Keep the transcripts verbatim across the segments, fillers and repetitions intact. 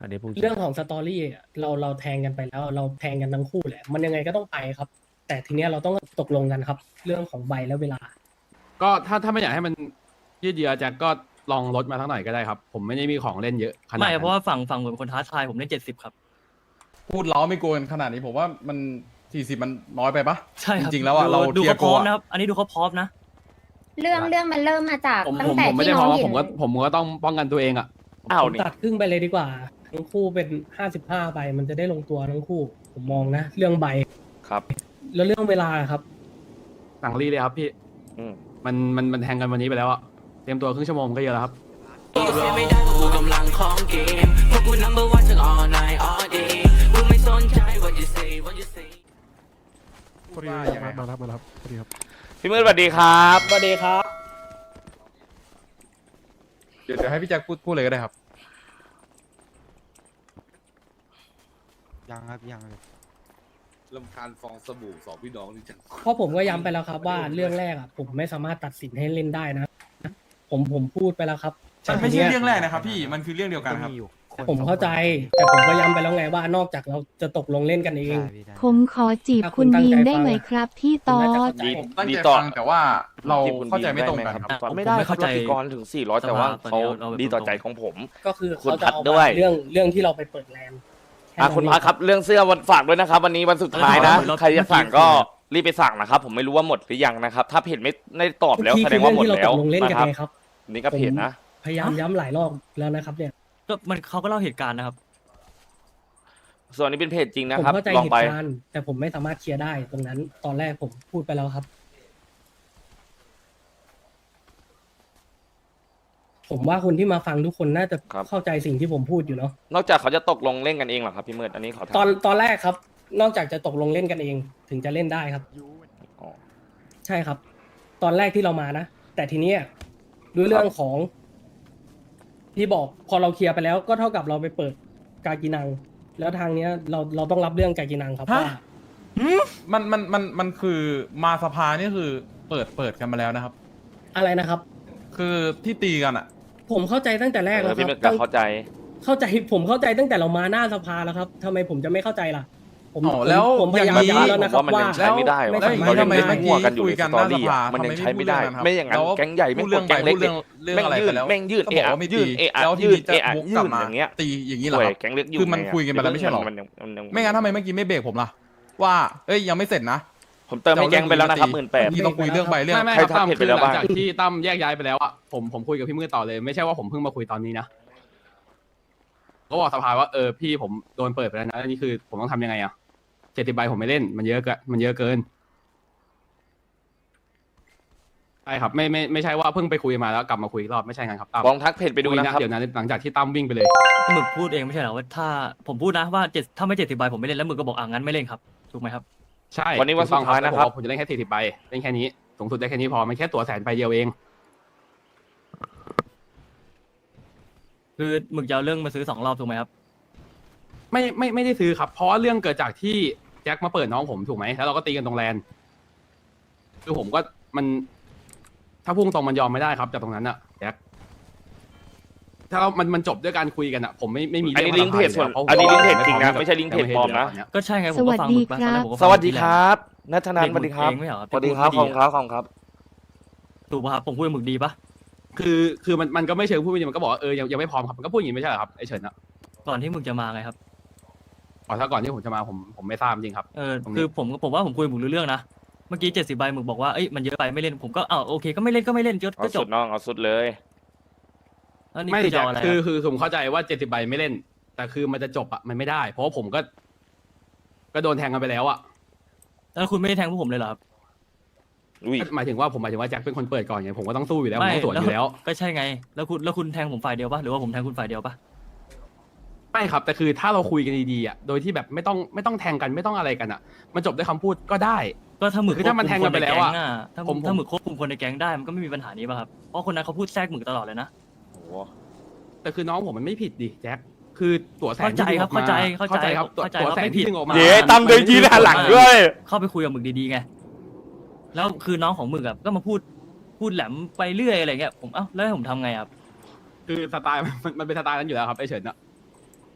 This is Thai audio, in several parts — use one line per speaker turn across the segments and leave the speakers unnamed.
อันนี้พูดจริง
เรื่องของสตอรี่อะเราเราแทงกันไปแล้ว เราแทงกันทั้งคู่แหละมันยังไงก็ต้องไปครับ แต่ทีเนี้ยเราต้องตกลงกันครับ เรื่องของใบและเวลา
ก็ถ้าถ้าไม่อยากให้มันยืดเยื้อแจ็คก็ลองลดมาทั้งหน่อยก็ได้ครับ ผมไม่ได้มีของเล่นเยอะขนาด
ไม่
นั้น
เพราะว่าฝั่งฝั่งผมเป็นคนท้าทายผมเล่นเจ็ดสิบครับ
พูดเล้าไม่โกนขนาดนี้ผมว่ามันสี่สิบมันน้อยไปปะ
ใช่ครับ
จริงๆแล้วอะ
ดู
เรา
ดู
เทีย
เขา
ร์
พร้อม
โกะ
นะครับ อันนี้ดูเขาพร้อมนะ
เรื่องเรื่องมันเริ่มมาจาก
ผม
ตั้
ผ
ง
ม
แต่
ผมไม่
ที่
ได้
น้
ม
อ
อง งว่า
เห็
ผ
น
มก็ผมก็ต้องป้องกันตัวเองอ่ะ
อ้าว
ผม
นี่
ตัดครึ่งไปเลยดีกว่า ทั้งคู่เป็นห้าสิบห้าไป มันจะได้ลงตัวทั้งคู่ ผมมองนะ เรื่องใบ
ครับ
แล้วเรื่องเวลาครับ
สั่งรีเลยครับพี่
อืม
มันมันมันแทงกันวันนี้ไปแล้วอะเตรียมตัวครึ่งชั่วโมงก็เยอะแล้วครับ
เสียไม่ได้เพราะกูกำลังของเกมพวกกู number one ทั้ง all night all day กูไม่สนใจ what you say what you say
พูดว่ายังไงครับ
มารับมารับสวัสดีครับ
พี่มืดสวัสดีครับ
สวัสดีครับ
เดี๋ยวเดี๋ยวให้พี่แจ็คพูดพูดเลยก็ได้ครับ
ยังครับยังเลย
ลำคาญฟองสบู่สองพี่น้องนี่จัง
เพราะผมก็ย้ำไปแล้วครับว่าเรื่องแรกอ่ะผมไม่สามารถตัดสินให้เล่นได้นะ ผมผมพูดไปแล้วครับ
มันไม่ใช่เรื่องแรกนะครับพี่มันคือเรื่องเดียวกันครับ
ผมเข้าใจ แต่ผมก็ย้ำไปแล้วไงว่านอกจากเราจะตกลงเล่นกันเอง
ผมขอจีบคุณบีมได้ไหมครับพี่ตอ
น่าจะ
ด
เข้าใจ
ผมตั้ง
ดี
ใจ
ต่อ
ฟังแต่ว่าเรา
ที่คุณ
เข้าใจไม่ตรงกัน
ดี
ครับ
ห
ผม
ไม่ได้
ไม่
เขา
เข้าใจ
ตีกรถึงสี่ร้อยแต่ว่า
สภา
เขา
ตอนนี้เอา
ดีต่อ
ตรงๆ
ใจของผม
ก็คือ
คุณ
เขาจะ
พัด
เอา
ด้วย
เรื่องเรื่องที่เราไปเปิดแลนด์แ
อ่ะคุณพักครับเรื่องเสื้อวันฝากด้วยนะครับ วันนี้วันสุดท้ายนะ
เออ
ใครจะสั่งก็รีบไปสั่งนะครับ ผมไม่รู้ว่าหมดหรือยังนะครับ ถ้าเพจไม่ได้ตอบแล้ว
ที่
แสด
คื
ง
อ
ว่า
เรื่อง
หมด
ที่เรา
แล้
ต
ว
กลงเล่น
นะ
กัน
ครับ
ไงครับ
นี่ก็เพจนะ
พยายามย้ำหลายรอบแล้วนะครับเนี่ย
ก็มันเขาก็เล่าเหตุการณ์นะครับ
ส่วนนี้เป็นเพจจริงนะ
ผม
ครับ
เข้าใจ
ลอง
เห
ไป
ตุการณ์แต่ผมไม่สามารถเคลียร์ได้ตรงนั้น ตอนแรกผมพูดไปแล้วครับ ผมว่าคนที่มาฟังทุกคนน่าจะ
ครับ
เข้าใจสิ่งที่ผมพูดอยู่เนาะ
นอกจากเขาจะตกลงเล่นกันเองเหรอครับพี่มืดอันนี้ขอถาม
ตอนตอนแรกครับ นอกจากจะตกลงเล่นกันเอง ถึงจะเล่นได้ครับ
อ๋อ
ใช่ครับ ตอนแรกที่เรามานะ แต่ทีเนี้ยด้วยเรื่องของที่บอกพอเราเคลียร์ไปแล้ว ก็เท่ากับเราไปเปิดกากินัง แล้วทางเนี้ยเราเราต้องรับเรื่องกากินังครับ
ฮะ
ว่า
มันมันมันมันคือมาสภานี่คือเปิดเปิดกันมาแล้วนะครับ
อะไรนะครับ
คือที่ตีกันอ่ะ
ผมเข้าใจตั้งแต่แรก
เอ
แล้
อ
วค
พี่
รับ
มืดก็เข้าใจ
เข้าใจผมเข้าใจตั้งแต่เรามาหน้าสภาแล้วครับทำไมผมจะไม่เข้าใจล่ะ ผม
อ๋อแล้ว
ผมผมพยายาม
อย่างนี้
ย้ำแล้วนะครับ
ผมว่ามัน
ว่า
ยังใช้ไม่ได้หรอก
แล้วอย่างนี้
เรายัง
ทำไม
เล่น
เมื่อกี้
มั่วกันอยู่
คุย
ใน
กัน
สตอรี่
หน้าสภา
อะมันยัง
ทำไม
ใช้ไม่ได้
ไม่
ไม่อย่างนั้น
พูดเรื่องนั้นครับ
แก๊งใหญ่ไม่
พูด
ก
เรื่
ด
อง
แก๊งเล็ก
พูดเรื่องเรื่อง
แม่ง
อะไร
ยื่
ไป
น
แล้ว
แม่งยื่น
ก็
เอะ
บอก
อะ
ว่าไม่
ยื่น
ตี
เอะอะ
แล้วที
ยื่น
นี้จะ
เอะอะ
วกก
ยื่
ลับ
น
มา
อย่างเงี้ย
ตีอย่างนี้เหรอ
โอ้
ค
ย
รับ
แก๊งเล็กอยู่
คือมัน
ไงะ
คุยกันไปแล้วไม่ใช่หรอ
มันยังมันยัง
ไม่งั้นทำไมเมื่อกี้ไม่เบรกผมล่ะ ว่าเอ้ยยังไม่เสร็จนะ
ผมเติมให้แก๊งไปแล้วนะครับหมื่นแปด
ที่ต้องคุยเรื่องใบเรื่อง
ไม่ไม่
ใคร
ครับตั้ม
ทำผิดไป
คือ
แล้ว
หลัง
บ้าง
จากที่ตั้มแยกย้ายไปแล้วอะผมผมคุยกับพี่มืดต่อเลย ไม่ใช่ว่าผมเพิ่งมาคุยตอนนี้นะก็บอกสภาว่าเออพี่ผมโดนเปิดไปแล้วนะอันนี้คือผมต้องทำยังไงอะเจ็ดสิบใบผมไม่เล่นมันเยอะเกินมันเยอะเกินใช่ครับไม่ไม่ไม่ใช่ว่าเพิ่งไปคุยมาแล้วกลับมาคุยอีกรอบไม่ใช่งั้นครับตั้ม
ลองทักเพจไปดู
คุย
นะครับ
เดี๋ยวนั้นหลังจากที่ตั้มวิ่งไปเลย
หมึกพูดเองไม่ใช่เหรอว่าถ้าผมพูดนะว่าเจ็ดถ้าไม่เจ็ดสิบใบผมไม่เล่นแล้วหมึกก็บอกอ่างั้นไม่เล่นครับถูกไหมครับ
ใช่
วันนี้วันสุดท้ายนะครับ
ถูกต้องผมจะเล่นแค่สี่สิบใบเล่นแค่นี้สูงสุดได้แค่นี้พอมันแค่ตัวแสนใบเดียวเอง
คือหมึกจะเอาเรื่องมาซื้อสองรอบถูกไหมครับ
ไม่ไม่ไม่ได้ซื้อครับ เพราะว่าเรื่องเกิดจากที่แจ็คมาเปิดน้องผมถูกไหมแล้วเราก็ตีกันตรงแลนคือผมก็มัน ถ้าพุ่งตรงมันยอมไม่ได้ครับจากตรงนั้นอะแจ็คถ้าเรามันมันจบด้วยการคุยกันอะผมไม่ไม่มี
อันนี้
รื่
ลิงก์เพจส่วน
พราะผม
อันนี้ลิงก์เพจ
ไม่
จริงนะ
พอ
ไม่ใช่ลิงก์เพจปลอมนะ
ก็ใช่ไงผมก็ฟังหมึกมาตอนแรกผมก็
ส
ฟัง
วัสดีครับนัทนัน
เด็ก
สวัสดีครับ
เองไม่เหรอ
สวัสดีครับขอบคุณครับขอบคุณครับ
ถูกป่ะครับผมพูดกับหมึกดีปะ
คือคือมันมันก็ไม่เชิงพูดไม่ดีมันก็บอกว่าเออยังยังไม่พร้อมครับมันก็พูดอย่างนี้ไม่ใช่เหรอครับไอเฉินอะ
ก่อนที่หมึกจะมาไงครับ
อ๋อถ้าก่อนที่ผมจะมาผมผมไม่ทราบจริงครับ
เออ
ตรงนี้
คือผมผมว่าผมคุยกับหมึกรู้เรื่องนะเมื่อกี้เจ็ดสิบใบหมึกบอกว่าเอ้ยมันเยอะไปไม่เล่นผมก็อ้าวโอเคก็ไม่เล่นก็ไม่เล่นก็
เอา
ก็จ
สุ
บ
ดน้องเอาสุดเลย
แล้วนี่
ไม่
คือจะ
แจ็ค
เอาอะไร
คือ
ครับ
คือผมเข้าใจว่าเจ็ดสิบใบไม่เล่น แต่คือมันจะจบอะมันไม่ได้ เพราะว่าผมก็ ก็โดนแทงกันไปแล้วอะ
แล้วคุณไม่ได้แทงพวกผมเลยเหรอครับ
อุ้ย
หมายถึงว่าผมหมายถึงว่าแจ็คเป็นคนเปิดก่อนไงผมก็ต้องสู้อยู่แล้วผม
ไม่
ต้องสวนอยู่แล้ว
ก็ใช่ไง แล้วคุณแล้วคุณแทงผมฝ่ายเดียวปะหรือว่าผมแทงคุณฝ่ายเดียวปะ
ไม่ครับ แต่คือถ้าเราคุยกันดีๆอ่ะโดยที่แบบไม่ต้องไม่ต้องแทงกันไม่ต้องอะไรกันอ่ะ มันจบด้วยคำพูดก็ได้
ก็ถ้าหมึก
คือถ้ามันแทงกันไปแล้วอะ
ถ้า
ผมผม
ถ้าหมึกควบคุมคนในแก๊งได้มันก็ไม่มีปัญหานี้ป่ะครับเพราะคนนั้นเขาพูดแทรกหมึกตลอดเลยนะ
โอ้โห
แต่คือน้องผมมันไม่ผิดดิแจ็คคือตัวแสน
เข้าใจครับ
ที่ดึงออกมา
เข้าใจเข้าใจ
ครับตัว
เข้าใจ
ตัว
ว่า
แสน
ไม่ผิ
ที่
ด
ดึงออกมา
เดี๋ยวตั้มเดินยืนหันหลังด้วย
เข้าไปคุยกับหมึกดีๆไงแล้วคือน้องของหมึกอะก็มาพูดพูดแหลมไปเรื่อยอะไรเงี้ยผมเอ้าแล้วให้ผมทำไงครับ
คือสไตล์มันมันเป็นสไตล์นั้นอยู่แล้วครับไอเฉินอะ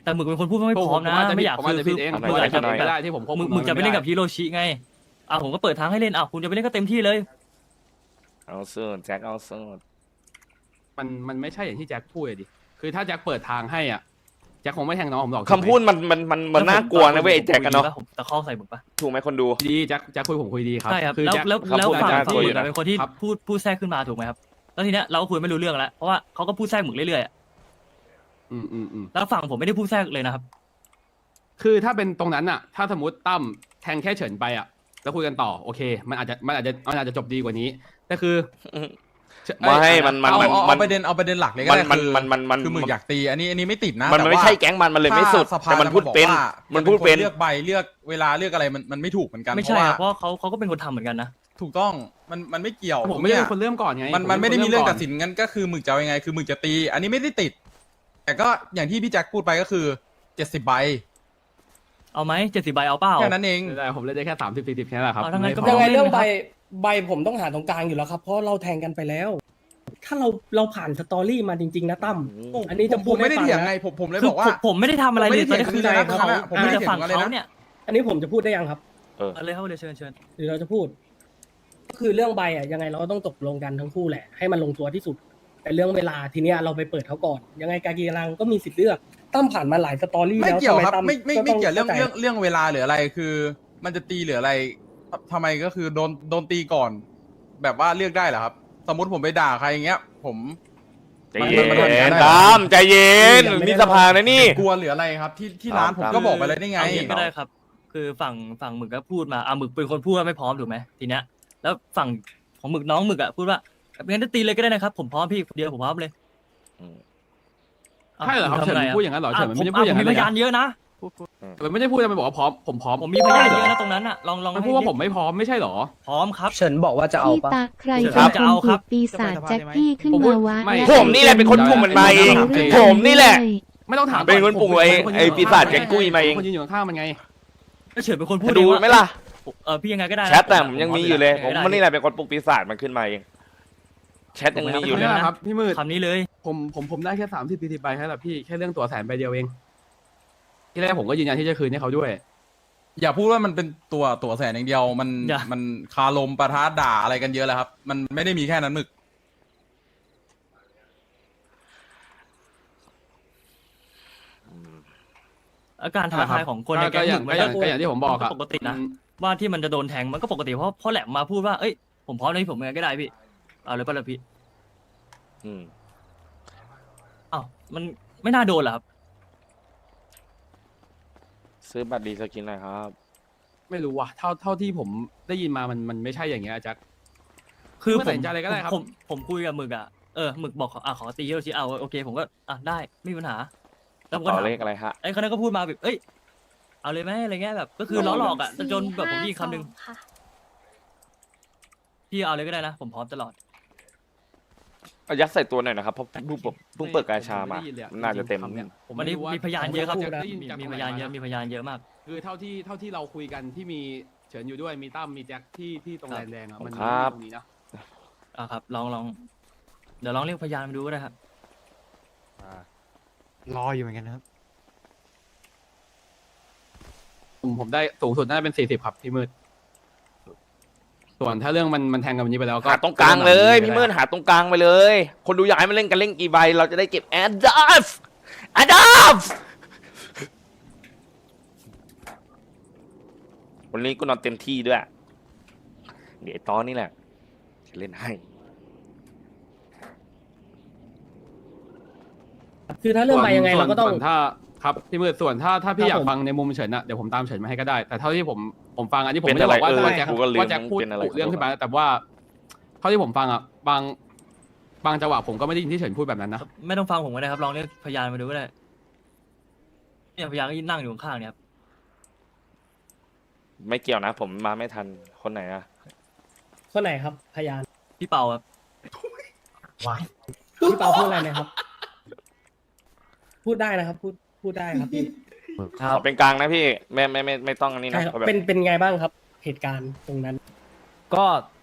แต่หมึกเป็นคนพูดว่าไม่พร้อมนะ
ผาจจ
ไม่อยาก
ผมอาจจะ
คื
ผิ
อ
ดเอง
ทำไม
ผมอาจจะผิด
ไม่
เอง
ได้
ก็ได้ที่ผมควบ
มึ
คุ
ก
ม
มึกจะไปเล่นกับ
พี่
ฮิโรชิไงอ่ะผมก็เปิดทางให้เล่นอ่ะคุณจะไปเล่นก็เต็มที่เลย
เอาสุดแจ็คเอาสุด
มันมันไม่ใช่อย่างที่แจ็คพูดเลยดิคือถ้าแจ็คเปิดทางให้อ่ะแจ็คคงไม่แทงน้องผมหรอก
คำพูดมันมันมันมันน่ากลัวนะเว้ยไอ้แจ็คกันเนาะ
ผมตะคอกใส่หมึกปะ
ถูกไหมคนดู
ดีแจ็คแจ็คคุยผมคุยดีครับ
ใช่ครับ
คือ
แล้ว
แจ็ค
แล้ว
คำ
แล้ว
พูด
ฝั่ง
น่ากลั
ที่
ว
ห
อ
มึ
ยู่
ก
นะ
อะเป็นคนที่
ครับ
พูดพูดแทรกขึ้นมาถูกไหมครับแล้วทีเนี้ยเราก็คุยไม่รู้เรื่องแล้วเพราะว่าเขาก็พูดแทรกหมึกเรื่อยๆอะ
อืมอืมอืม
แล้วฝั่งผมไม่ได้พูดแทรกเลยนะครับ
คือถ้าเป็นตรงนั้นอ่ะ ถ้าสมมติตั้มแทงแค่เฉินไปอ่ะแล้วคุยกันต่อโอเค มันอาจจะมันอาจจะมันอาจจะจบดีกว่านี้แต่คือ
ไม่
เอ้ย
มันมัน
เอา
มัน
เอา
มั
เอา
น
ประเด็นเอาประเด็นหลักเลยก็
มัน
ได้
มัน
คือ
มันมันมัน
คือมึงอยากตีอันนี้อันนี้ไม่ติดนะ
มัน
แต่
ไม่
ว่า
ใช่แก๊งมันมันเลยไม่สุด
ถ้าสภา
แต่มันพูดเป็น
จะบอกว่า
มันพูดเป็น
เลือกใบเลือกเวลาเลือกอะไรมันมันไม่ถูกเหมือนกัน
ไม่
เพ
ใช่
ราะว่า
ครับเพราะเขาเขาก็เป็นคนทำเหมือนกันนะ
ถูกต้องมันมันไม่เกี่ยว
ผมไม่ได้
ย
เป็นคนเริ่มก่อนไง
มัน
ผ
มันไม่ได้มีเรื่องตัด
ก่น
สินงั้นก็คือมึงจะเอายังไงคือมึงจะตี อันนี้ไม่ได้ติด แต่ก็อย่างที่พี่แจ็คพูดไปก็คือเจ็ดสิบใบ
เอาไหมเจ็ดสิบใบเอาเปล่า
แค่นั้นเอง
แต่ผมเล่นได้แค่สามสิบสี่สิบแค่นั้นแหละครับ
เอาทั้งนั้นก็
ไม่
ยัง
พ
ไง
อ
เรื่องใบ
ไม่เป็นไรครับ
ใบผมต้องหาตรงกลางอยู่แล้วครับ เพราะเราแทงกันไปแล้ว ถ้าเราเราผ่านสตอรี่มาจริง ๆ นะตั้ม อันนี้จะ
ผม
พู
ผ
ด
มไม่ได้
ให้ฟัง
เถียง
นะ
ไงผมผมเลย
คื
บอกว่า
ผมผมไม่ได้ทำอะไรเลย
ผมไม่ได้
ตอนนี้คือ
เถียง
เขา
คุณเลยนะผมไม่ได้
มีแต่ฝั่ง
เถียงคุณเลยนะ
เขาเนี่ย
อันนี้ผมจะพูดได้ยังครับ
เอาเลยครับเลยเชิญเชิญ
หรือเราจะพูด ก็คือเรื่องใบอ่ะยังไงเราก็ต้องตกลงกันทั้งคู่แหละ ให้มันลงตัวที่สุด แต่เรื่องเวลาทีเนี้ยเราไปเปิดเขาก่อน ยังไงกากีรังก็มีสิทธิ์เลือกตั้มผ่านมาหลายสตอรี่
ไม่
แล้ว
เกี่ยว
ทำ
ครับ
ตั้
ไม่ไม่
ก็
ไม่
ต้
เกี่ยวเรื่อง
ข้าใจ
เรื่องเรื่องเวลาหรืออะไรคือ มันจะตีหรืออะไรททำไมก็คือโดนโดนตีก่อน แบบว่าเลือกได้เหรอครับ สมมติผมไปด่าใครอย่างเงี้ย ผม
ใจเย็
มันมันมัน
น
ได้
ตามใจเย็นมีสภานะนี่
กลัวหรืออะไรครับ ที่ที่ร้าน
ตาม
ผมก็บอกไปเลยได้ไง
เอาอย่างนี้ก็ได้ครับ คือฝั่งฝั่งหมึกก็พูดมาอ่ะหมึกเป็นคนพูดว่าไม่พร้อมถูกไหมทีเนี้ยแล้วฝั่งของหมึกน้องหมึกอ่ะพูดว่างั้นจะตีเลยก็ได้นะครับผมพร้อมพี่คนเดียวผมพร้อมเลย
อืม
อ้าว
ใช่เหรอครับ
ทำ
เฉิน
ไง
พูดอย่างนั้นเหรอ
อ่ะ
เฉินมัน
ผม
ไม่ได้พูดอย่าง
อ่ะผม
นั้น
มีพยาน
เลย
เยอะนะ
มันไม่ได้พูดมันบอกว่าพร้อมผมพร้อม
ผมมีพยานเยอะนะตรงนั้นอ่ะลองลอง
มัน
ให้
พูดว่าผมไม่พร้อมไม่ใช่เหรอ
พร้อมครับ
เฉินบอกว่าจะเอา
พี่
ปะ
ตาใคร
ครั
เป็น
บ
คน
จะเอาค
ถู
รับ
กปีศาจแจ็คกี้ขึ้น
ผมพู
มา
ด
วะ
ไม่
และ
ผมนี่แหละเป็นคนปลุกมันมาเอง
รื่
ผมนี่แหละ
ไม่ต้องถาม
เป็นคนปลุกไอ้ไอ้ปีศาจแกงกุ้ยมาเอง
คนยืนอยู่ข้างๆมันไง
เฉินเป็นคนพูด
ดู
เองว่า
ไหมล่ะ
เออพี่ยังไงก็ได้นะ
แชทแต่ผมยังมีอยู่เลย ผม
ไได้
มันนี่แหละเป็นคนปลุกปีศาจมันขึ้นมาเองแชทยังมีอยู่เลย
ไม่
นะ
ได้ครับพี่มืด
คำนี้เลย
ผมผมผมได้แค่สามสิบสี่สิบใบแค่นั้นแหละพี่แค่เรื่องตัวแสนใบเดียวเองที่แรกผมก็ยืนยันที่จะคืนให้เขาด้วย
อย่าพูดว่ามันเป็นตัวตัวแสนอย่างเดียว มัน
อย่า
มันคาลมปะทะด่าอะไรกันเยอะแล้วครับ มันไม่ได้มีแค่นั้นหมึก
อาการท้าทายของคนในแก๊ง
ก็
ห
อย่า
มึ
ง
ก
ก็
มัน
อย่าง
ก็
ก็อย่างที่ผมบอกครับ
ปกตินะ ว่าที่มันจะโดนแทงมันก็ปกติเพราะเพราะแหลมมาพูดว่าเอ้ยผมพร้อมเลยผมยังไงก็ได้พี่เอาเลยป่ะล่ะพี่
อืม
อ้าวมันไม่น่าโดนเหรอครับ
ซื้อบัตรดีสกินหน่อยครับ
ไม่รู้ว่ะเท่าเท่าที่ผมได้ยินมามันมันไม่ใช่อย่างเงี้ยแจ็ค
คือ
ไม่
ผ
ตัด
ม
สินใจอะไรก็ได้ครับ
ผมผมคุยกับหมึกอ่ะเออหมึกบอกขออ่ะขอตีฮิโรชิเอาโอเคผมก็อ่ะได้ไม่มีปัญหาแล้วผมก็
ต่อ
ถาม
เลขอะไรฮะ
ไอ้คนนั้นก็พูดมาแบบเอ้ยเอาเลยไหมอะไรเงี้ยแบบก็คือล้อหลอกอ่ะจนแบบผมได้ยินคำหนึ่ง
ค่ะ
พี่เอาเลยก็ได้นะผมพร้อมตลอด
เอายัดใส่ตัวหน่อยนะครับเพราะเพิ่งเพิ่งเพิ่งเปิดกาชามา
ไได้ยินเลยอ
น่าจะเต็ม
คำนี่ยผม
วัน
ไม่
นี้
รู้ว่า
มีพยานเยอะครับ
ผมได้ยินจาก
มี
ตรง
พ
ไหน
ยานเยอะ
ม
มีพยานเยอะมาก
คือเท่าที่เท่าที่เราคุยกันที่มีเฉินอยู่ด้วยมีตั้มมีแจ็คที่ที่ตรงแลนแดงอะมันมี
ครับ
ตรงนี้นะ
อ่ะครับลองลองเดี๋ยวลองเรียกพยานมาดูก็ได้ครับ
รออยู่เหมือนกันนะครับ
ผมผมได้สูงสุดน่าจะเป็นสี่สิบครับพี่มืดส่วนถ้าเรื่องมันมันแทงกันวันนี้ไปแล้วก็
หาตรงกลางเลยพี่เมินหาตรงกลางไปเลย คนดูอยากให้มันเล่นกันเล่นกี่ใบเราจะได้เก็บแอดดัฟแอดดัฟวันนี้กูนอนเต็มที่ด้วย เดี๋ยวไอ้ตอนนี่แหละจะเล่นให้
คือถ้าเรื่องใบยังไง
ส่วน
เราก็ต้อง
ส่วนถ้าครับพี่มืดส่วนถ้าถ้าพี่
ครับ
อยาก
ผม
ฟังในมุมเฉินอะเดี๋ยวผมตามเฉินมาให้ก็ได้ แต่เท่าที่ผมผมฟังอันนี้ผม
เป็น
ไม่ได้บอกว่า
อะไร
ว่าแจ็ค
เออกูก็ลืม
ว่าแจ็คพูด
เป็นอะไร
กุเรื่องขึ้นมาแต่ว่าเท่าที่ผมฟังอะบางบางจังหวะผมก็ไม่ได้ยินที่เฉินพูดแบบนั้นนะ
ไม่ต้องฟังผมก็ได้ครับลองเรียกพยานมาดูก็ได้เนี่ยพยานก็ยืนนั่งอยู่ข้างๆเนี่ยครับ
ไม่เกี่ยวนะ ผมมาไม่ทันคนไหนอะ
คนไหนครับ พยาน
พี่เปาครับ
พี่เปาพูดอะไรนะครับ พูดได้นะครับ พูดพูดได้ครับพี่
ขอเป็นกลางนะพี่ไม่ไม่ไม่ไม่ต้องอันนี้
ใช่
นะครับ เอาแบบ
เป็นเป็นไงบ้างครับ เหตุการณ์ตรงนั้น
ก็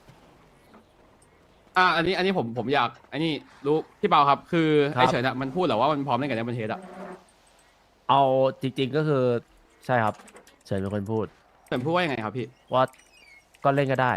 อ่ะอันนี้อันนี้ผมผมอยากอันนี้รู้พี่เปาครับ คือ
ครับ
ไอ้เฉินอะมันพูดเหรอว่ามันพร้อมเล่นกับในประเทศอะ
เอาจริง ๆก็คือใช่ครับเฉินเป็นคนพูด
เฉินพูดว่ายังไงครับพี่
ว่าก็เล่นก็ได้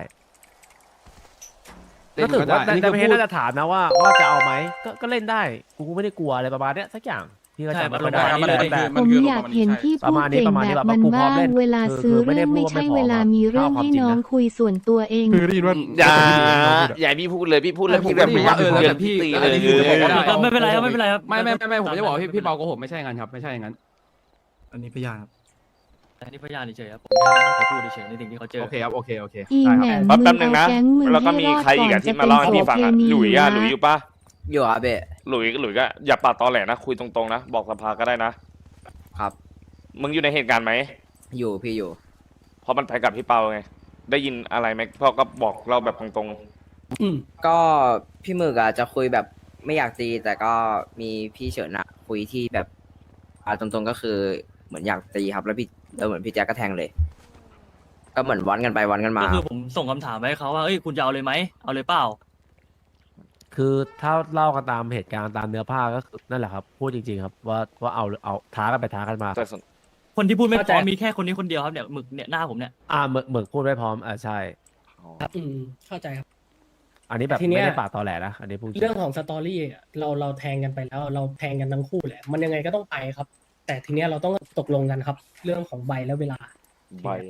เล่
ก็
น
ถื
ก็
อ
ได้
ว่า
อันนี้
แต่
คือ
ไม่
พู
ใช่
ด
น่าจะถามนะว่าว่าจะเอาไหมก็ก็เล่นได้กูไม่ได้กลัวอะไรประมาณเนี้ยสักอย่างพี่ก็
ใช่
จำ
มัน
ไม่ได้
ประมาณนี้เลย
แต่
ผมอยากเห็นพี่
ประ
พูด
มาณนี้
เก่ง
ประมาณนี้
แบบ
แบบ
มัน
กูพร้อม
บ้าง
เล่น
เวลา
คือ
ซื้อ
คือไม่
เรื่
ได้
อง
พู
ไม่
ดว่า
ใช่
ไม่พร้อม
เวลามีเรื่อง
เอาความ
ให้
จริง
น้อง
นะ
คุยส่วนตัวเอง
คือได้ยินว่า
อย่า
ได้ยินว่าพูดอะ
อย่าให้พี่พูดเลยพี่พูดแล้ว
ผม
พี่
ก็
แบบ
ได้ยินว่าเออแล้วแต่พี่
ตี
อั
เล
น
ย
นี้คือ
เลย
ผมก็ได้
ไม่เป็นไรครับไม่เป็นไรครับ
ไม่ไม่ไม่ไม่ผมจะบอกพี่พี่เปาโกหกไม่ใช่อย่างนั้นครับไม่ใช่อย่างนั้น
อันนี้พยานครับ
แต่นี่พยานเฉยๆครับผมแค่ให้เขาพูดเฉยๆในสิ่งที่เขาเจอ
โอเคครับโอเคโอเค
อี
ได้
แห
ครับ
ม่ม
แป๊บ
มึ
แป๊บนึง
งเอา
นะ
แก๊งมึง
แล้วก็
ให้
มี
รอด
ใครอี
ก่
ก
อน
อะที่
จะ
มา
เป็น
เล่าให้
โส
พี่ฟัง
เพ
อะ
ณี
หลุยอะหลุยอ
นะ
ยู่ปะ
อยู่ครับเบะ
หลุยหลุยก็อย่าปากตอแหลนะคุยตรงๆนะบอกสภาก็ได้นะครับ มึงอยู่ในเหตุการณ์ไหม
อยู่พี่อยู่
เพราะมันไปกับพี่เปาไงได้ยินอะไรไหมพ่อก็บอกเราแบบตรง
อืม
ก็พี่หมึกอะจะคุยแบบไม่อยากตี แต่ก็มีพี่เฉินอะคุยที่แบบอ่าตรงๆก็คือเหมือนอยากตีครับ แล้วพี่แล้วเหมือนพี่แจ็คก็แทงเลย ก็เหมือนวันกันไปวันกันมา
ก็คือผมส่งคำถามไปให้เขาว่าเอ้ยคุณจะเอาเลยไหมเอาเลยเปล่า
คือถ้าเล่ากันตามเหตุการณ์ตามเนื้อผ้าก็คือนั่นแหละครับพูดจริงๆครับว่าว่าเอาเอาท้ากันไปท้ากันมา
ๆแต่สน
คนที่พูดไม่พ
เข้าใจ
ร้อมมีแค่คนนี้คนเดียวครับเนี่ยหมึกเนี่ยหน้าผมเนี่ย
อ่าเหมือนเหมือนพูดไม่พร้อมอ่าใช่
ครับอืมเข้าใจครับ
อันนี้แบบ
ทีเนี้ย
ไม่ได้ปากตอแหลนะอันนี้พูดจริง
เรื่องของสตอรี่อะเราเราแทงกันไปแล้ว เราแทงกันทั้งคู่แหละ มันยังไงก็ต้องไปครับ แต่ทีเนี้ยเราต้องตกลงกันครับ เรื่องของใบและเวลา
ใบ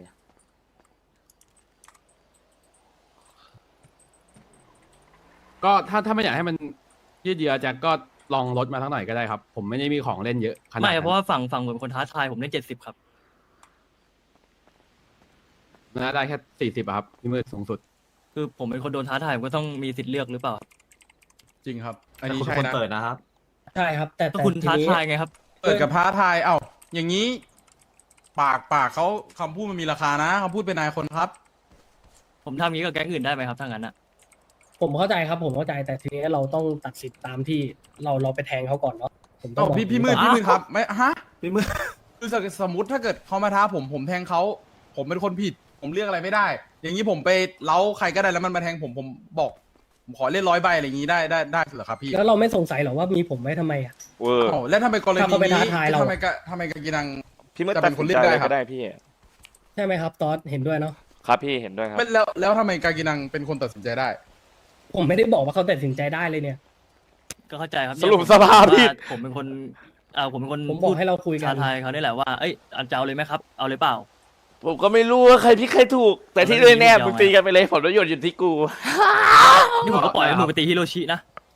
ก็ถ้าถ้าไม่อยากให้มันยืดเยื้อแจ็คก็ลองลดมาทั้งหน่อยก็ได้ครับ ผมไม่ได้มีของเล่นเยอะขนาด
ไม่
นั้น
เพราะว่าฝั่งฝั่งเหมือนคนท้าทายผมเล่นเจ็ดสิบครับ
นะได้แค่สี่สิบครับพี่มืดสูงสุด
คือผมเป็นคนโดนท้าทายผมก็ต้องมีสิทธิ์เลือกหรือเปล่า
จริงครับ อันนี้ใช่นะ
ใช่ครับ แต่
ก็
แต่
คุณ
ที
ท้า
นี้
ทายไงครับ
เปิดกับท้าทาย เอ้า อย่างนี้ ปากปากเขาคำพูดมันมีราคานะคำพูดเป็นนายคนครับ
ผมทำงี้กับแก๊งอื่นได้ไหมครับถ้างั้นอะ
ผมเข้าใจครับ ผมเข้าใจ แต่ทีนี้เราต้องตัดสินตามที่เราเราไปแทงเขาก่อนเนาะผมต้อง
เอ้า
บอก
พี่พี่มืด
ก่อน
พี่มืดครับไม่ฮะพี่มืดคือสมมติถ้าเกิดเขามาท้าผมผมแทงเขาผมเป็นคนผิด ผมเรียกอะไรไม่ได้ อย่างนี้ผมไปเล้าใครก็ได้แล้วมันมาแทงผมผมบอกผมขอเล่นร้อยใบอะไรอย่างนี้ได้ได้ได้เหรอครับพี่
แล้วเราไม่สงสัยหรอว่ามีผมไว้ทำไมอ่ะ
เวอร์
เอ้าแล้วทำไมกรณี
ถ้าเขาไป
นี้
ท้าทายเรา
ทำไมกะทำไมกากินัง
พี่มืด
จะ
ตั
เป็
ด
น
ค
คน น
เลื
เลื
อ
อก กได้
ได้
ครับ
ก็ได้พี่
ใช่ไหมครับตอสเห็นด้วยเนาะ
ครับพี่เห็นด้วยครับ
ไม่แล้วแล้วทำไมกากินังเป็นคนตัดสินใจได้
ผมไม่ได้บอกว่าเขาตัดสินใจได้เลยเนี่ย
ก็เข้าใจครับ
สรุปสภาพพี่
ผมเป็นคนอ่าผมเป็นคน
ผมบอกให้เราคุยกัน
ท้าทายเขานี่แหละว่าเอ้ยอันจะเอาเลยไหมครับ เอาเลยเปล่า
ผมก็ไม่รู้ว่าใครพี่ใครถูก แต่ที่แน่ๆมึงตีกันไปเลยผลประโยชน์อยู่ที่กู
นี่ผมก็ปล่อยให้มึงไปตีฮิโรชินะ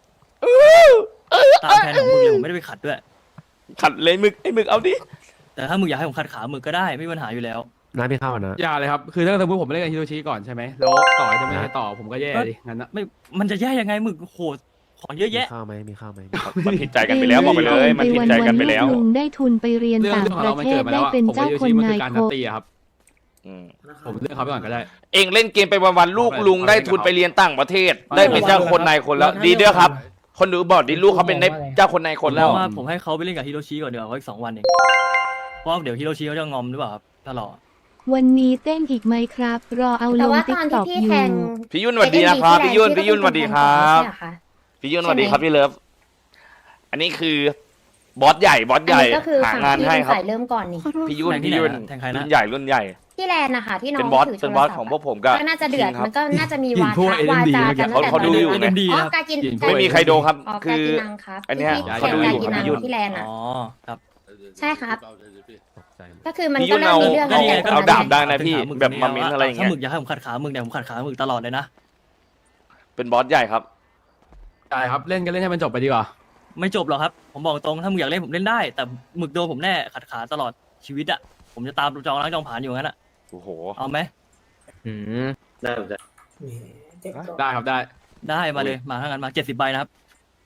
ตามแผนของมึงเลยผมไม่ได้ไปขัดด้วย
ขัดเลยมึกไอ้มึกเอาดิ
แต่ถ้ามึงอยากให้ผมขัดขามึงก็ได้ไม่มีปัญหาอยู่แล้ว
น้าพี่เข้ามานะ
อย่าเลยครับ คือถ้าสมมติผมเล่นกับฮิโรชิก่อนใช่ไหมแล้วต่อจะไม่ให้ต่อผมก็แย่ดิงั้นนะ
ไม่มันจะแย่ยังไงมึงโหดของเยอะ
มี
แยะ
ข้าวไหมมีข้าวไหม
มันผิดใจกันไปแล้วบอกไปเลย มันผิดใจกันไปแล้ว
ลุงได้ทุนไปเรียน
เรื่อง
ต่าง
เรื่องของ
ป
เรา
ระ
มัน
เท
เกิ
ศ
ดมา
ได้
แล้วอะ
เป็น
ผมกับ
เจ้า
ฮิโร
ค
ชิ
น
มัน
นา
คื
ย
อการ
โค
นัดตีอะครับ
อืม
ผมเลือกเขาไปก่อนก็ได้
เองเล่นเกมไปวันๆลูกลุงได้ทุนไปเรียนต่างประเทศ ได้เป็นเจ้าคนนายคนแล้ว ดีด้วยครับ คนดูบอกดิลูกเขาเป็นเจ้าคนนายคนแล้ว
เพราะว่าผมให้เขาไปเล่นกับฮิโรชิก่อนเดี๋ยวเขาอีกสองวันเองเพราะว่าเดี๋ยวฮิโรชิเขาจะงอมหรือเปล่าครับถ้ารอ
วันนี้เต้นอีกไหมครับ รอเอาล
แต่
ง
ว่า
ติ๊
ต
ก
อน
ต็
ที่
อก
พี่
อ
แท
ยู่
ง
พี่ยุ่นสวัสดีนะครับพี่ยุ่นพี่ยุ่นสวัสดีครับ พี่ยุ่นสวัสดีครับพี่เลิฟ อันนี้คือบอสใหญ่บอสใหญ่
อันนี้ก็คือ
หา
ฝั่ง
งาน
ที่
ให้
เป็น
ครับ
สายเริ่มก่อนนี่
พี่ยุ่น
แทงที่
พี่
ไหน
ยุ่น
นะแทงใครนะ
รุ่นใหญ่รุ่นใหญ่
ที่แลนด์นะคะที่น้อง
เป็นบอส
ถื
เป็นบอสของพวกผมก็
ก็น่าจะเดือด
จริงครับ
มันก็น่าจะมี
หยิน
วา
พวก
ทะ
เอ็ม
วา
ดี
จา
เมื่อกี้
กันตั้งแต่
เขาดูอยู่
ตน
ไง
นั้น
ดี
อ๋อ
ครับ
กากิน
หยินพวก
ไม่มีใครโดนครับ
อ๋อกา
คือ
กินังครับ
อันเนี้ย
ที่
เขาดูอยู่
แข่งกากินัง
พี่ยุ่น
ที่แลนด์อ่ะ
อ๋อครับ
ใช่ครับ
ตกใจหมด
ก็คือมัน
พี่
ก็
ยุ่น
เริ่
เอา
มมีเรื่อง
ก็
ตั้ง
นี่
แต่
ไง
ตอน
เอา
นั้น
ดาบ
แหละ
ได้นะพี่แบบมามิ้นอะไรอย่าง
ถ้า
เงี้ย
มึกอยากให้ผมขัดขามึงเนี่ยผมขัดขามึงตลอดเลยนะ
เป็นบอสใหญ่ครับ
ได้ครับเล่นกันเล่นให้มันจบไปดีกว่า
ไม่จบหรอกครับ ผมบอกตรงถ้ามึงอยากเล่นผมเล่นได้ แต่หมึกโดนผมแน่ขัดขาตลอดชีวิตอะผมจะตามจองล้างจองผ่านอยู่งั้นอะ
โอ้โห
เอาไหม
ได้ครับได้
ได้มาเลยมาทั้งนั้นมาเจ็ดสิบใบนะครับ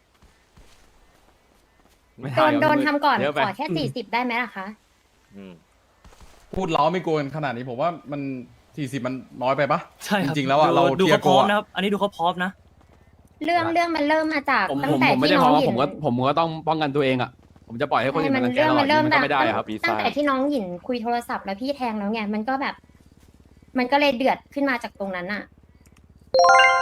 ไม่
โดน
ครับ
โดนทำก่อน
เยะไป
ขอแค่สี่สิบได้ไหมล่ะคะ
อืม
พูดเล้าไม่โกนขนาดนี้ผมว่ามันสี่สิบมันน้อยไปปะ
ใช่ครับ
จริงๆแล้วอะ
ดู
เรา
ดู
เทีย
เขา
ร์
พร้อม
โกอะ
นะครับ อันนี้ดูเขาพร้อมนะ
เรื่องเรื่องมันเริ่มมาจาก
ผม
ตั้
ผ
ง
ม
แต่
ผมไม่
ที่
ได้
น้
เพ
อง
ราะว่า
หยิ
ผม
น
ก็ผมก็ต้องป้องกันตัวเองอ่ะผมจะปล่อยให้คนอื่น
มั
มาน รังแก
เรื่อง
เรา
มันเริ่ม
มัน
จา
ก็
ก
ไม่ได้อะครับ
ปีศาจ
ตั้งแต่ที่น้องหยินคุยโทรศัพท์แล้วพี่แทงแล้วไงมันก็แบบ มันก็เลยเดือดขึ้นมาจากตรงนั้นอะ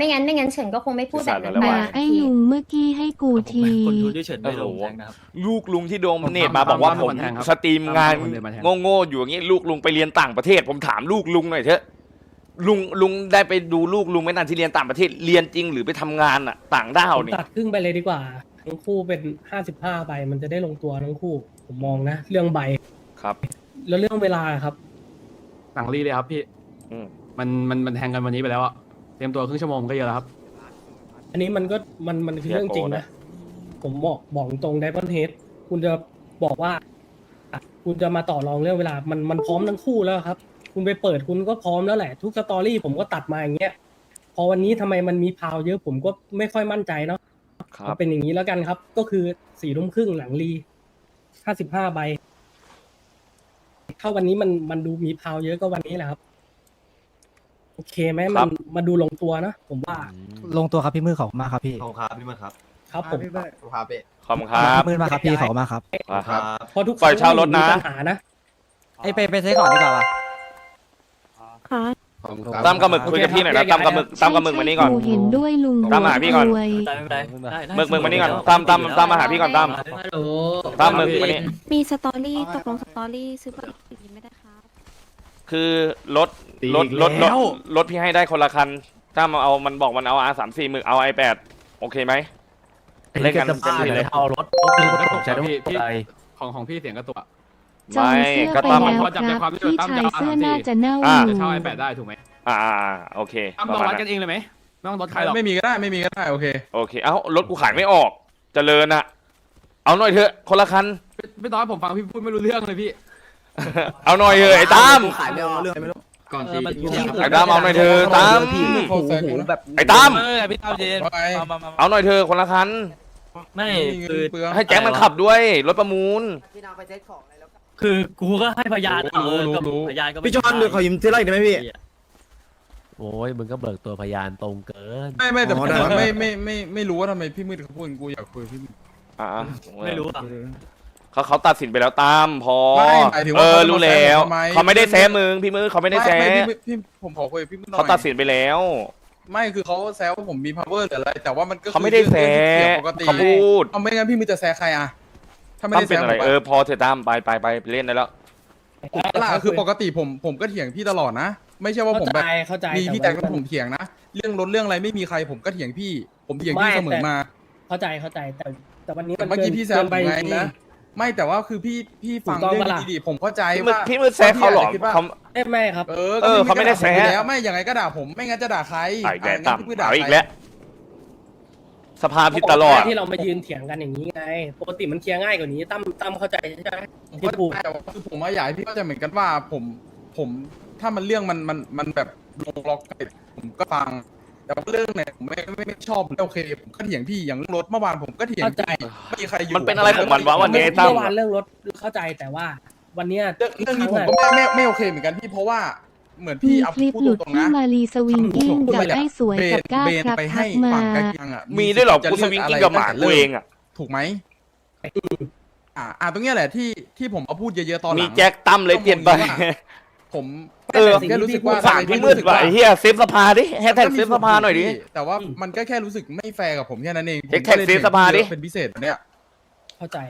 ไม่งั้นไม่งั้นเฉินก็คงไม่พูดแบบนั้นไป
ด่าไอ้ลุงเมื่อกี้ให้กูที
คนทุนที่เฉินไม่ลงแทงนะครับ
ลูกลุงที่โดนเนตมาบอกว่าผมสตรีมงานโง่ๆอยู่อย่างนี้ลูกลุงไปเรียนต่างประเทศ ผมถามลูกลุงหน่อยเถอะลุงลุงได้ไปดูลูกลุงไหมนั่นที่เรียนต่างประเทศเรียนจริงหรือไปทำงานอ่ะ ต่างด้าว
ผม
นี่
ตัดครึ่งไปเลยดีกว่าทั้งคู่เป็นห้าสิบห้าใบมันจะได้ลงตัวทั้งคู่ ผมมองนะ เรื่องใบ
ครับ
แล้วเรื่องเวลาครับ
หลังรีเลยครับพี่
อืม
มันมันมันแทงกันวันนี้ไปแล้วอะเตรียมตัวครึ่งชั่วโมงก็เยอะแล้วครับ
อันนี้มันก็มันมันคือเรื่องจริงนะ ผมบอกบอกตรงไดมอนเฮดคุณจะบอกว่าอ่ะคุณจะมาต่อรองเรื่องเวลา มันมันพร้อมทั้งคู่แล้วครับ คุณไปเปิดคุณก็พร้อมแล้วแหละ ทุกสตอรี่ผมก็ตัดมาอย่างเงี้ย พอวันนี้ทำไมมันมีพาวเยอะผมก็ไม่ค่อยมั่นใจเนาะ
ครับ
เอาเป็นอย่างนี้แล้วกันครับ ก็คือสี่ทุ่มครึ่งหลังรีห้าสิบห้าใบ ถ้าวันนี้มันมันดูมีพาวเยอะก็วันนี้แหละครับ โอเคไหมมันมาดูลงตัวนะผมว่า
ลงตัวครับพี่มือขอบคุณมากครับพี่
ขอบครับพี่มือครับ
ครับผม
ครับพี่
ขอบคุณครับ
พี่มือมากครับพี่ขอบคุณมากครับ
ครับ
เพราะทุก
ปล่อยเช่ารถนะ
มีปัญหานะ
ไอยไปไปซื้อก่อนดีกว่าปะ
ค่ะ
ขอบคุณครับ
ตั้มกับหมึกคุยกับพี่หน่อยนะตั้มกับหมึกตั้มกับหมึกมานี่ก่อน
กูเห็นด้วยลุง
ตามหาพี่ก่อน
รวย
ได้ไม่เป็นไรได้ได้
หมึกหมึกมานี่ก่อนตั้มตั้มตั้มมาหาพี่ก่อนตั้มตั้มหมึกมานี่
มีสตอรี่ตกลงสตอรี่ซื้อบัตรอีกไม่ได้ครับ
คือรถ
ตี
รถ
อีก
รถร
แล้
ถ
ว
รถพี่ให้ได้คนละคันตั้มเอามันบอกมันเอา อาร์ สามสี่หมึกเอา ไอแปด โอเคไหม เล่นกัน
จะ
เต็มที่เลย
เอารถก็คือผมใช้ต้อง
พี่พี่
ใจ
ของของพี่เสียงกระตุกอะ
จอง
ไม่
เสื้อ
ก็
ไป
ตั้ม
แล้ว
พอจับใจ
ค
ควา
รั
ม
บ
ที่
พี่
ตั้ม
ชาย
จะเอา
เสื้อ
สามสี่
น่าจะเน่า
อ่า
อยู่
จะเช่าไอแปดได้ถูกไหม
อ่าอ่าอ่าโอเค
ตั้ม
ประ
ต้อง
มาณ
วัด
นั้
กัน
น
เองเลยไหมไม่ต้องรถใครหรอก
ไม่มีก็ได้ไม่มีก็ได้โอเค
โอเค เอ้ารถกูขายไม่ออก เจริญอะเอาหน่อยเถอะ คนละคัน
พี่พี่ตอนผมฟังพี่พูดไม่รู้เรื่องเลยพี่
เอาหน่อยเถอะไอ้ตั้ม
ขายไม่ออก
ก่อน
เอ
ตี
อมัน
ไอ้ตั้มเอาหน่อยเถอะตั้ม
โอ้โหแบบ
ไอ้ตั้ม
เออพี่ตั้มเจน
ไป
มามามา
เอาหน่อยเถอะคนละคัน
ไม่
ไม่
คือ
เปลือง
ให้แจ็คมันขับด้วย รถประมูล
คือกูก็ให้พยานเอาเออก็
รู้รู้
พยานก็ไม่
พี่จอนเดี๋ยวขอยืมเท่าไหร่ได้ไหมพี่
โอ้ยมึงก็เบิกตัวพยานตรงเกิน
ไม่ไม่แต่
อ๋
ผ
อ
ม
ได้
ไม่ไม่ไม่ไม่รู้ว่าทำไมพี่มืดเขาพูดอย่างกูอยากคุยกับพี่มืด
อ่า
ไม่รู้อ่ะ
เขาเขาตัดสินไปแล้วตามพอ
ไม่หมายถึง
เอ
ว่า
อ
เขาจะ
รู้แล้ว
มาแซะผมทำไม
เขาไม่ได้แซะมึงพี่มือเขาไม่ได้แซะ
ไม่พี่มืดพี่ผมขอคุยกับพี่มืดหน่อย
เขาตัดสินไปแล้ว
ไม่คือเขาแซวว่าผมมี power หรืออะไร แต่ว่ามันก็คือ
เขาไม่ได้แซะ
เรื่องที่เกี่ยวปกติ
เขาพูด
เอาไม่งั้นพี่มืดจะแซะใครอะถ้าไม่
ตั้ม
ได้
เป็น
แซะ
อะไร
ผม
เออ
อะ
พอเถอะตั้มไปไปไปไปเล่นได้แล้ว
ล่ะคือปกติผมผมก็เถียงพี่ตลอดนะ ไม่ใช่ว่าผม
เข้า
แบ
ใจ
บ
เข้าใจ
มีพี่
แต่
แจ็ค
ว่า
แล้วผมเถียงนะ เรื่องรถเรื่องอะไรไม่มีใครผมก็เถียงพี่ ผมเถียงพี่
ไม่
เสมอ
แต่
มา
เข้าใจเข้าใจแต่แต่วันนี้
แต่
มัน
เมื่อกี้
เกิน
พี่แซ
เกิ
วน ผ
ไป
ม
จ
ไง
ริงๆนะ
ไม่แต่ว่าคือพี่พี่ฟัง
ถูกต้อง
เรื่อง
ปะล่ะ
ดีๆผมเข้าใจ
พี่มือ
ว่า
พี่มือแซะเขาเหรอ
พี่จจะคิดว่า
เขา
เอ้ยไม่ครับ
เออ
เออเขาไม่ได้แซะ
ก็แล้วไม่ยังไงก็ด่าผมไม่งั้นจะด่าใคร
อ่ะอีกแล้ว
ะ
ตั้ม
งั้นพี่ด่า
เอา
ใคร
อีกแล้วสภาพิดตลอด
ที่เรามายืนเถียงกันอย่างนี้ไง ปกติมันเคลียร์ง่ายกว่านี้ตั้มตั้มเข้าใจใช่ไหม
ผม
ที่
ก็
พูด
แต่ว่าคือผมว่าอยากให้พี่เข้าใจเหมือนกันว่าผมผมถ้ามันเรื่องมันมันมันแบบลงล็อกกันผมก็ฟัง แต่ว่าเรื่องไหนผมไม่ไม่ไม่ชอบผมไม่โอเคผมก็เถียงพี่อย่างเรื่องรถเมื่อวานผมก็เถียง
เข้าใจ
ไม่มีใครอยู่
มันเป็นอะไรของมันวะวันนี้ ตั้ม
เมื่อวานเรื่องรถเข้าใจแต่ว่า วันเนี้ย
เรื่องเรื่องนี้ผม
อะ
ก็ไม่ไม่ไม่โอเคเหมือนกันพี่เพราะว่าเหมือนพี่
มี
เอา
คลิป
พูด
หลุด
ตรงๆ
ที่
นะ
มารีสวิงกิ้งกับไอ้สวยกับก้า
เบน
ครับ
ไป
ทั
ให้
กมา
ฝั่งใกล้เคียงอ่ะ
มีด้วยเหรอ
จะ
กูส
เลื
วิง
อะ
กิ้
ไรง
กับหมา
ตั้
กู
แต่
เอ
ริ่
งอ่ะ
ถูกไหมอ่าอ่าตรงเนี้ยแหละที่ที่ผมเอาพูดเยอะๆตอนหลัง
มีแจ็คตั้มเลยเปลี่ยนไป
ผม
เออ
แค่รู้สึกว่า
ฝากพี่มืดว่ะไอ้เฮียเซฟสภาดิแฮชแท็กเซฟสภาหน่อยดิ
แต่ว่ามันก็แค่รู้สึกไม่แฟร์กับผมแค่นั้นเอง
แท็กเซฟสภาดิ
เป็นพิเศษเนี่ย
เข้าใจ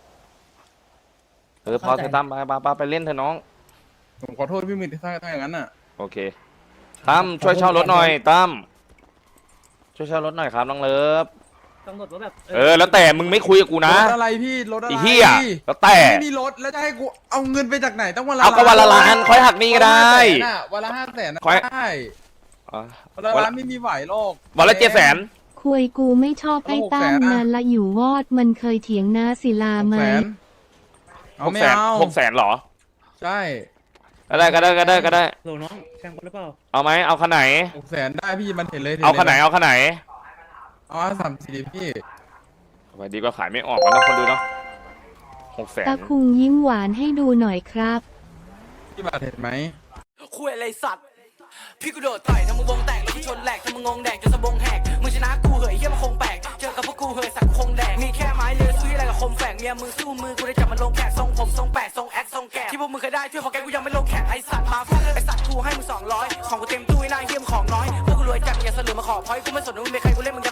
เออพอเธอตั้มไปไปไปไปเล่นเถอะน้อง
ผมขอโทษพี่มืดถ้าถ้าอย่างนั้นอ่ะ
โอเคตั้มช่วยเช่ารถหน่อยตั้มช่วยเช่ารถหน่อยครับน้องเลิฟ
กำหนดว่าแบบ
เออแล้วแต่มึงไม่คุยกับกูนะ
รถอะไรพี่รถอะไร
ไอ้เหี้ยแล้วแต่
ไม่มีรถแล้วจะให้กูเอาเงินไปจากไหนต้องวันละ
เอาก็วันละล้านค่อยหักหนี้ก็ได้
วันละห้าแสนน่ะ
ค่อย
ได้
อ่ะ
วันละล้านไม่มีไหวหรอก
วันละเจ็ดแสน
คุยกูไม่ชอบไอ้ตั้มนานละอยู่วอดมันเคยเถียงนาศิลา
หก
ไหม
แสนเอา
หก
ไม่
แสน
เอา
หกแสนเหรอ
ใช่
ก็ได้ก็ได้ก็ได้ก็ได้
โหลน้องแข่งกันหรือเปล่า
เอาไหมเอาขนาดไหน
หกแสนได้พี่มันเห็นเลย
เอาขนาดไหนเอาขนาดไหน
เอาสามสี่พี่
เอาไปดีกว่าขายไม่ออกแล้วนะคนดูเนาะหกแสน
ตะคุงยิ้มหวานให้ดูหน่อยครับ
พี่บาทเห็นไหม
คุยอะไรสัตว์พี่กูโดดต่อยทำมึงวงแตกแล้วกูชนแหลกทำมึงงงแดกจนสะบงแหกมึงชนะกูเหยเยี่ยมนคงแปลกเจอกับพวกกูเหยสักคงแดกมีแค่ไม้เลือสู้อะไรกับคมแฝกเมียมึงสู้มือกูได้จับมันลงแขกทรงผมทรงแปดทรงแอคทรงแกะที่พวกมึงเคยได้ช่วยของแกกูยังไม่ลงแขกไอสัตว์มาฟาดไอสัตว์กูให้มึงสองร้อยของกูเต็มตู้ไอ้นายเยี่ยมของน้อยพวกกูรวยจัดอย่าเสลือมาขอพอยกูไม่สนว่ามึงเป็นใครกูเล่นมึงจะ